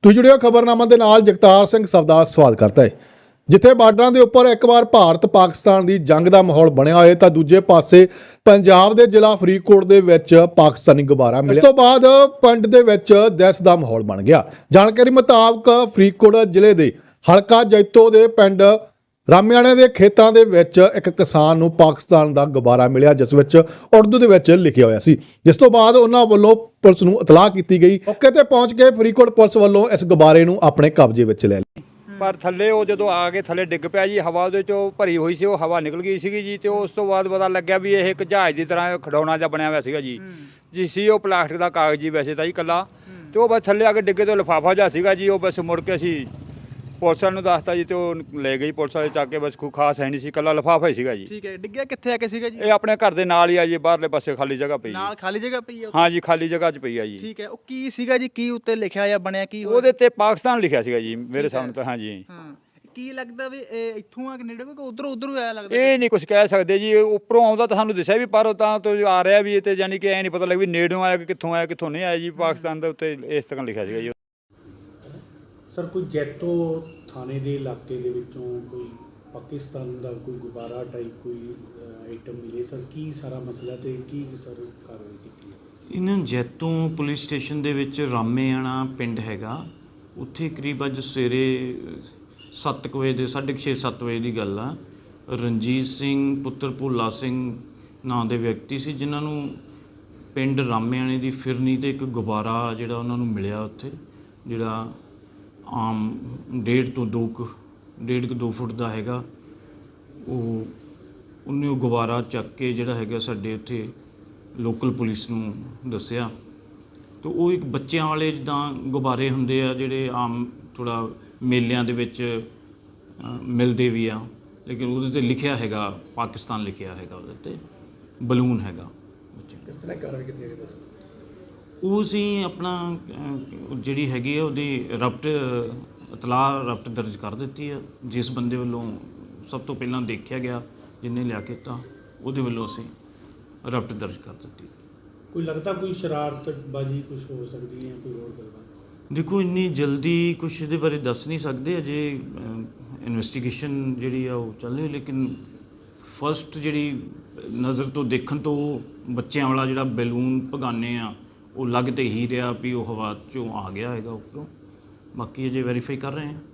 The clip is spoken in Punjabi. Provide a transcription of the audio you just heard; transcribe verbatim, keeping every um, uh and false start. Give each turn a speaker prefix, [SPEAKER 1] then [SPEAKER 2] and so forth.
[SPEAKER 1] ਤੁਸੀਂ ਜੁੜਿਓ ਖਬਰਨਾਮਾ ਦੇ ਨਾਲ ਜਗਤਾਰ ਸਿੰਘ ਸਵਦਾ ਸਵਾਲ ਕਰਦਾ ਹੈ। ਜਿੱਥੇ ਬਾਰਡਰਾਂ ਦੇ ਉੱਪਰ ਇੱਕ ਵਾਰ ਭਾਰਤ ਪਾਕਿਸਤਾਨ ਦੀ ਜੰਗ ਦਾ ਮਾਹੌਲ ਬਣਿਆ ਹੋਇਆ ਤਾਂ ਦੂਜੇ ਪਾਸੇ ਪੰਜਾਬ ਦੇ ਜ਼ਿਲ੍ਹਾ ਫਰੀਦਕੋਟ ਦੇ ਵਿੱਚ ਪਾਕਿਸਤਾਨੀ ਗੁਬਾਰਾ ਮਿਲਿਆ। ਇਸ ਤੋਂ ਬਾਅਦ ਪਿੰਡ ਦੇ ਵਿੱਚ ਦਹਿਸ਼ਤ ਦਾ ਮਾਹੌਲ ਬਣ ਗਿਆ। ਜਾਣਕਾਰੀ ਮੁਤਾਬਕ ਫਰੀਦਕੋਟ ਜ਼ਿਲ੍ਹੇ ਦੇ ਹਲਕਾ ਜੈਤੋ ਦੇ ਪਿੰਡ ਰਾਮਿਆਣੇ ਦੇ ਖੇਤਾਂ ਦੇ ਵਿੱਚ ਇੱਕ ਕਿਸਾਨ ਨੂੰ ਪਾਕਿਸਤਾਨ ਦਾ ਗੁਬਾਰਾ ਮਿਲਿਆ, ਜਿਸ ਵਿੱਚ ਉਰਦੂ ਦੇ ਵਿੱਚ ਲਿਖਿਆ ਹੋਇਆ ਸੀ। ਜਿਸ ਤੋਂ ਬਾਅਦ ਉਹਨਾਂ ਵੱਲੋਂ ਪੁਲਿਸ ਨੂੰ ਇਤਲਾਹ ਕੀਤੀ ਗਈ। ਮੌਕੇ ਤੇ ਪਹੁੰਚ ਕੇ ਫਰੀਦਕੋਟ ਪੁਲਿਸ ਵੱਲੋਂ ਇਸ ਗੁਬਾਰੇ ਨੂੰ ਆਪਣੇ ਕਬਜ਼ੇ ਵਿੱਚ ਲੈ ਲਿਆ।
[SPEAKER 2] ਪਰ ਥੱਲੇ ਉਹ ਜਦੋਂ ਆ ਕੇ ਥੱਲੇ ਡਿੱਗ ਪਿਆ ਜੀ, ਹਵਾ ਉਹਦੇ ਚੋਂ ਭਰੀ ਹੋਈ ਸੀ, ਉਹ ਹਵਾ ਨਿਕਲ ਗਈ ਸੀਗੀ ਜੀ। ਤੇ ਉਸ ਤੋਂ ਬਾਅਦ ਪਤਾ ਲੱਗਿਆ ਵੀ ਇਹ ਇੱਕ ਜਹਾਜ਼ ਦੀ ਤਰ੍ਹਾਂ ਖਿਡੌਣਾ ਜਿਹਾ ਬਣਿਆ ਹੋਇਆ ਸੀਗਾ ਜੀ ਜੀ ਸੀ ਉਹ ਪਲਾਸਟਿਕ ਦਾ ਕਾਗਜ਼ ਜੀ ਵੈਸੇ ਤਾਂ ਜੀ ਇਕੱਲਾ। ਤੇ ਉਹ ਬਸ ਥੱਲੇ ਆ ਕੇ ਡਿੱਗੇ ਤੋਂ ਲਿਫਾਫਾ ਜਿਹਾ ਸੀਗਾ ਜੀ। ਉਹ ਬਸ ਮੁੜ ਕੇ ਅਸੀਂ ਪੁਲਿਸ ਵਾਲੇ ਨੂੰ ਦੱਸਤਾ ਜੀ ਤੇ ਉਹ ਲੈ ਗਈ ਪੁਲਿਸ ਵਾਲੇ ਚੱਕ ਕੇ। ਬਸ ਕੋਈ ਖਾਸ ਹੈ ਨਹੀਂ ਸੀ, ਇਕੱਲਾ ਲਿਫਾਫਾ ਹੀ ਸੀਗਾ ਜੀ।
[SPEAKER 3] ਠੀਕ ਹੈ, ਡਿੱਗਿਆ ਕਿੱਥੇ ਆ ਕੇ ਸੀਗਾ ਜੀ?
[SPEAKER 2] ਇਹ ਆਪਣੇ ਘਰ ਦੇ ਨਾਲ ਹੀ ਆ ਜੀ, ਬਾਹਰਲੇ ਪਾਸੇ ਖਾਲੀ ਜਗ੍ਹਾ ਪਈ
[SPEAKER 3] ਨਾਲ ਖਾਲੀ ਜਗ੍ਹਾ ਪਈ ਆ?
[SPEAKER 2] ਹਾਂ ਜੀ, ਖਾਲੀ ਜਗ੍ਹਾ 'ਚ ਪਈ ਆ ਜੀ।
[SPEAKER 3] ਠੀਕ ਹੈ, ਉਹ ਕੀ ਸੀਗਾ ਜੀ? ਕੀ ਉੱਤੇ ਲਿਖਿਆ ਜਾਂ ਬਣਿਆ ਕੀ ਹੋਇਆ?
[SPEAKER 2] ਉਹਦੇ ਤੇ ਪਾਕਿਸਤਾਨ ਲਿਖਿਆ ਸੀਗਾ ਜੀ ਮੇਰੇ ਸਾਹਮਣੇ ਤਾਂ। ਹਾਂ ਜੀ,
[SPEAKER 3] ਹਾਂ, ਕੀ ਲੱਗਦਾ ਵੀ ਇਹ ਇੱਥੋਂ ਆ ਕੇ ਨੇੜੇ ਕੋਈ ਉਧਰ ਉਧਰ ਆਇਆ ਲੱਗਦਾ?
[SPEAKER 2] ਇਹ ਨਹੀਂ ਕੁਝ ਕਹਿ ਸਕਦੇ ਜੀ। ਉੱਪਰੋਂ ਆਉਂਦਾ ਤਾਂ ਸਾਨੂੰ ਦੱਸਿਆ ਵੀ, ਪਰ ਤਾਂ ਤੋਂ ਆ ਰਿਹਾ ਵੀ ਇਹ ਤੇ ਯਾਨੀ ਕਿ ਐ ਨਹੀਂ ਪਤਾ ਲੱਗ ਵੀ ਨੇੜੋਂ ਆਇਆ ਕਿ ਕਿੱਥੋਂ ਆਇਆ ਕਿੱਥੋਂ ਨਹੀਂ ਆਇਆ ਜੀ। ਪਾਕਿਸਤਾਨ ਦੇ ਉੱਤੇ ਇਸ ਤਰ੍ਹਾਂ ਲਿਖਿਆ ਸੀਗਾ ਜੀ।
[SPEAKER 4] ਸਰ, ਕੋਈ ਜੈਤੋ ਥਾਣੇ ਦੇ ਇਲਾਕੇ ਦੇ ਵਿੱਚੋਂ ਕੋਈ ਪਾਕਿਸਤਾਨ ਦਾ ਕੋਈ ਗੁਬਾਰਾ ਟਾਈਪ ਕੋਈ ਆਈਟਮ ਮਿਲੇ ਸਰ? ਕੀ ਸਾਰਾ ਮਸਲਾ ਤੇ ਕੀ ਸਰ ਕਾਰਵਾਈ ਕੀਤੀ ਹੈ?
[SPEAKER 5] ਇਹਨਾਂ ਜੈਤੋਂ ਪੁਲਿਸ ਸਟੇਸ਼ਨ ਦੇ ਵਿੱਚ ਰਾਮੇਆਣਾ ਪਿੰਡ ਹੈਗਾ, ਉੱਥੇ ਕਰੀਬ ਅੱਜ ਸਵੇਰੇ ਸੱਤ ਕੁ ਵਜੇ ਦੇ ਸਾਢੇ ਛੇ ਸੱਤ ਵਜੇ ਦੀ ਗੱਲ ਆ। ਰਣਜੀਤ ਸਿੰਘ ਪੁੱਤਰ ਭੋਲਾ ਸਿੰਘ ਨਾਂ ਦੇ ਵਿਅਕਤੀ ਸੀ, ਜਿਨ੍ਹਾਂ ਨੂੰ ਪਿੰਡ ਰਾਮੇਆਣੇ ਦੀ ਫਿਰਨੀ ਤੇ ਇੱਕ ਗੁਬਾਰਾ ਜਿਹੜਾ ਉਹਨਾਂ ਨੂੰ ਮਿਲਿਆ ਉੱਥੇ, ਜਿਹੜਾ ਆਮ ਡੇਢ ਤੋਂ ਦੋ ਕੁ ਡੇਢ ਕੁ ਦੋ ਫੁੱਟ ਦਾ ਹੈਗਾ। ਉਹ ਉਹਨੇ ਉਹ ਗੁਬਾਰਾ ਚੱਕ ਕੇ ਜਿਹੜਾ ਹੈਗਾ ਸਾਡੇ ਉੱਥੇ ਲੋਕਲ ਪੁਲਿਸ ਨੂੰ ਦੱਸਿਆ। ਅਤੇ ਉਹ ਇੱਕ ਬੱਚਿਆਂ ਵਾਲੇ ਜਿੱਦਾਂ ਗੁਬਾਰੇ ਹੁੰਦੇ ਆ ਜਿਹੜੇ ਆਮ ਥੋੜ੍ਹਾ ਮੇਲਿਆਂ ਦੇ ਵਿੱਚ ਮਿਲਦੇ ਵੀ ਆ, ਲੇਕਿਨ ਉਹਦੇ 'ਤੇ ਲਿਖਿਆ ਹੈਗਾ ਪਾਕਿਸਤਾਨ ਲਿਖਿਆ ਹੈਗਾ, ਉਹਦੇ 'ਤੇ ਬਲੂਨ ਹੈਗਾ।
[SPEAKER 4] ਕਿਸ ਤਰ੍ਹਾਂ ਕਾਰਵਾਈ ਕੀਤੀ ਹੈ ਬਸ?
[SPEAKER 5] ਉਹ ਅਸੀਂ ਆਪਣਾ ਜਿਹੜੀ ਹੈਗੀ ਆ ਉਹਦੀ ਰਪਟ ਇਤਲਾਹ ਰਪਟ ਦਰਜ ਕਰ ਦਿੱਤੀ ਆ। ਜਿਸ ਬੰਦੇ ਵੱਲੋਂ ਸਭ ਤੋਂ ਪਹਿਲਾਂ ਦੇਖਿਆ ਗਿਆ, ਜਿਹਨੇ ਲਿਆ ਕੇ ਤਾਂ ਉਹਦੇ ਵੱਲੋਂ ਅਸੀਂ ਰਪਟ ਦਰਜ ਕਰ ਦਿੱਤੀ।
[SPEAKER 4] ਕੋਈ ਲੱਗਦਾ ਕੋਈ ਸ਼ਰਾਰਤਬਾਜ਼ੀ ਕੁਝ ਹੋ ਸਕਦੀ ਹੈ, ਕੋਈ ਹੋਰ ਗੱਲਬਾਤ?
[SPEAKER 5] ਦੇਖੋ, ਇੰਨੀ ਜਲਦੀ ਕੁਛ ਇਹਦੇ ਬਾਰੇ ਦੱਸ ਨਹੀਂ ਸਕਦੇ, ਅਜੇ ਇਨਵੈਸਟੀਗੇਸ਼ਨ ਜਿਹੜੀ ਆ ਉਹ ਚੱਲ ਰਹੀ। ਲੇਕਿਨ ਫਸਟ ਜਿਹੜੀ ਨਜ਼ਰ ਤੋਂ ਦੇਖਣ ਤੋਂ ਬੱਚਿਆਂ ਵਾਲਾ ਜਿਹੜਾ ਬੈਲੂਨ ਭਗਾਨੇ ਆ ਉਹ ਲੱਗ ਤੇ ਹੀ ਰਿਹਾ ਵੀ ਉਹ ਹਵਾ 'ਚੋਂ ਆ ਗਿਆ ਹੈਗਾ ਉੱਪਰੋਂ। ਬਾਕੀ ਅਜੇ ਵੈਰੀਫਾਈ ਕਰ ਰਹੇ ਹਾਂ।